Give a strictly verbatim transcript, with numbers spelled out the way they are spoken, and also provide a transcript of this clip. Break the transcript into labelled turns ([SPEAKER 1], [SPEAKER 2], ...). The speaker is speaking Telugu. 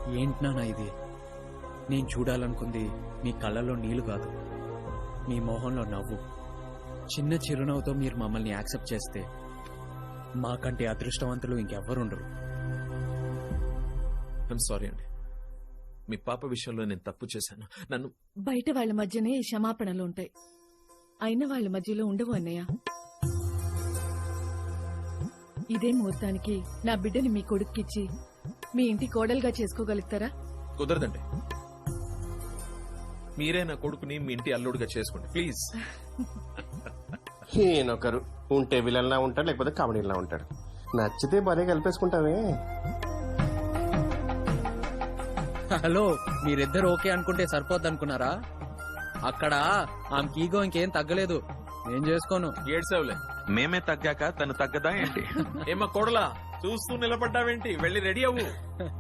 [SPEAKER 1] ఏంటి నాన్న ఇది? నేను చూడాలనుకుంది మీ కళ్ళలో నీళ్లు కాదు, మీ మొహంలో నవ్వు. చిన్న చిరునవ్వుతో మీరు మమ్మల్ని యాక్సెప్ట్ చేస్తే మాకంటే అదృష్టవంతులు ఇంకెవ్వరుండరు.
[SPEAKER 2] ఐఎమ్ సారీ అండి, మీ పాప విషయంలో నేను తప్పు చేశాను. నన్ను
[SPEAKER 3] బయట వాళ్ళ మధ్యనే ఈ క్షమాపణలు ఉంటాయి, అయిన వాళ్ళ మధ్యలో ఉండవు అన్నయ్య. ఇదే ముహూర్తానికి నా బిడ్డని మీ కొడుక్కిచ్చి మీ ఇంటి కోడలుగా చేసుకోగలుగుతారా?
[SPEAKER 2] కుదరదండి. మీరే నా కొడుకుని మీ ఇంటి అల్లుడుగా చేసుకోండి ప్లీజ్.
[SPEAKER 4] ఈయనొకరు ఉంటే విలన్లా ఉంటాడు, లేకపోతే కామెడీలా ఉంటాడు. నచ్చితే భార్య కలిపేసుకుంటామే.
[SPEAKER 1] హలో, మీరిద్దరు ఓకే అనుకుంటే సరిపోద్ది అనుకున్నారా? అక్కడ ఆమెకి ఈగో ఇంకేం తగ్గలేదు. నేను చేసుకోను.
[SPEAKER 2] ఏడ్సావులే,
[SPEAKER 5] మేమే తగ్గాక తను తగ్గదా ఏంటి?
[SPEAKER 2] ఏమా కోడలా చూస్తూ నిలబడ్డావేంటి? వెళ్ళి రెడీ అవ్వు.